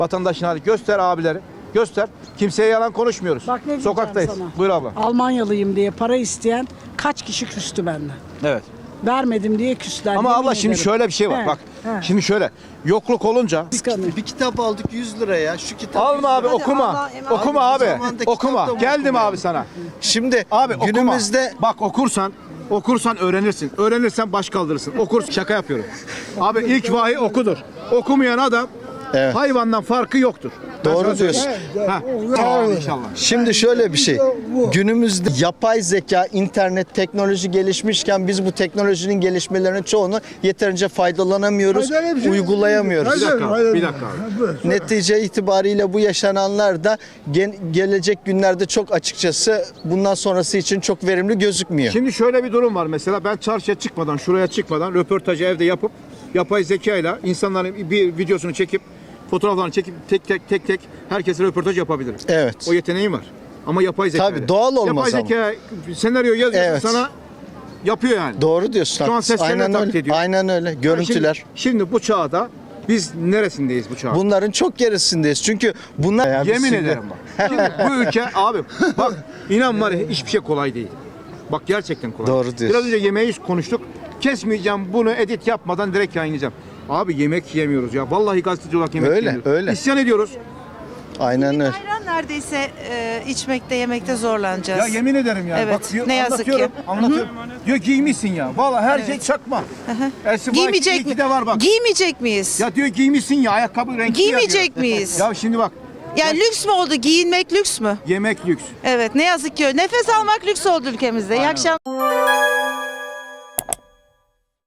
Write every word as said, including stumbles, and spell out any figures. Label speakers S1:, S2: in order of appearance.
S1: Vatandaşın hali. Göster abileri. Göster. Kimseye yalan konuşmuyoruz.
S2: Bak ne diyeceğim
S1: Sokaktayız.
S2: sana.
S1: Buyur abla.
S2: Almanyalıyım diye para isteyen kaç kişi küstü benden.
S1: Evet.
S2: Vermedim diye küstüler.
S1: Ama
S2: yemin
S1: abla şimdi
S2: ederim.
S1: şöyle bir şey var.
S2: He,
S1: Bak.
S2: he.
S1: Şimdi şöyle. Yokluk olunca
S2: Kıskanıyor.
S3: Bir kitap aldık yüz liraya. Şu kitap
S1: alma abi
S3: yüz lira.
S1: okuma.
S4: Allah emanet.
S1: Okuma
S3: Abi,
S1: abi.
S3: bu zamanda
S1: Okuma.
S3: kitap da
S1: Geldim
S3: okuma.
S1: abi sana.
S3: Şimdi
S1: Abi
S3: günümüzde
S1: okuma. Bak okursan okursan öğrenirsin. Öğrenirsen baş kaldırırsın. Okursun. Şaka yapıyorum. Abi ilk vahiy okudur. Okumayan adam
S3: Evet.
S1: hayvandan farkı yoktur. Ben
S3: Doğru
S1: sana söyleyeyim.
S3: diyorsun.
S1: Ha. Tamam inşallah.
S3: Şimdi şöyle bir şey. Günümüzde yapay zeka, internet, teknoloji gelişmişken biz bu teknolojinin gelişmelerinin çoğunu yeterince faydalanamıyoruz, uygulayamıyoruz.
S1: Bir dakika. abi, Bir dakika abi.
S3: Netice itibariyle bu yaşananlar da gen- gelecek günlerde çok açıkçası bundan sonrası için çok verimli gözükmüyor.
S1: Şimdi şöyle bir durum var mesela ben çarşıya çıkmadan şuraya çıkmadan röportajı evde yapıp yapay zekayla insanların bir videosunu çekip fotoğraflarını çekip tek tek tek tek herkese röportaj yapabilirim.
S3: Evet.
S1: O yeteneğim var. Ama yapay zeka.
S3: Tabii, doğal olmaz
S1: Yapay zeka senaryo yazıyor
S3: Evet.
S1: sana yapıyor yani.
S3: Doğru diyorsun.
S1: Şu an
S3: haklısın.
S1: seslerini
S3: Aynen
S1: taklit
S3: öyle.
S1: ediyor.
S3: Aynen öyle. Görüntüler.
S1: Şimdi, şimdi bu çağda biz neresindeyiz bu çağda?
S3: Bunların çok gerisindeyiz. Çünkü bunlar
S1: Yemin
S3: Şimdi-
S1: ederim bak. Şimdi bu ülke abi bak inan var ya hiçbir şey kolay değil. Bak gerçekten kolay.
S3: Doğru diyorsun.
S1: Biraz önce yemeği konuştuk. Kesmeyeceğim bunu edit yapmadan direkt yayınlayacağım. Abi yemek yemiyoruz ya. Vallahi gazeteci olarak yemek
S3: Öyle,
S1: yemiyoruz.
S3: öyle.
S1: İsyan ediyoruz.
S3: Aynen öyle.
S4: Ayran neredeyse e, içmekte, yemekte zorlanacağız.
S1: Ya yemin ederim ya.
S4: Evet,
S1: Bak, diyor,
S4: ne yazık
S1: anlatıyorum,
S4: ki.
S1: Anlatıyorum. Diyor giymişsin ya. Vallahi her şey çakma. Elsi
S4: Giymeyecek mi?
S1: de var bak.
S4: Giymeyecek miyiz?
S1: Ya diyor giymişsin ya ayakkabı renkli ya
S4: Giymeyecek
S1: diyor.
S4: miyiz?
S1: Ya şimdi bak.
S4: Yani lüks mü oldu? Giyinmek lüks mü?
S1: Yemek lüks.
S4: Evet, ne yazık ki öyle. Nefes almak lüks oldu ülkemizde. İyi
S1: Aynen.
S4: akşamlar.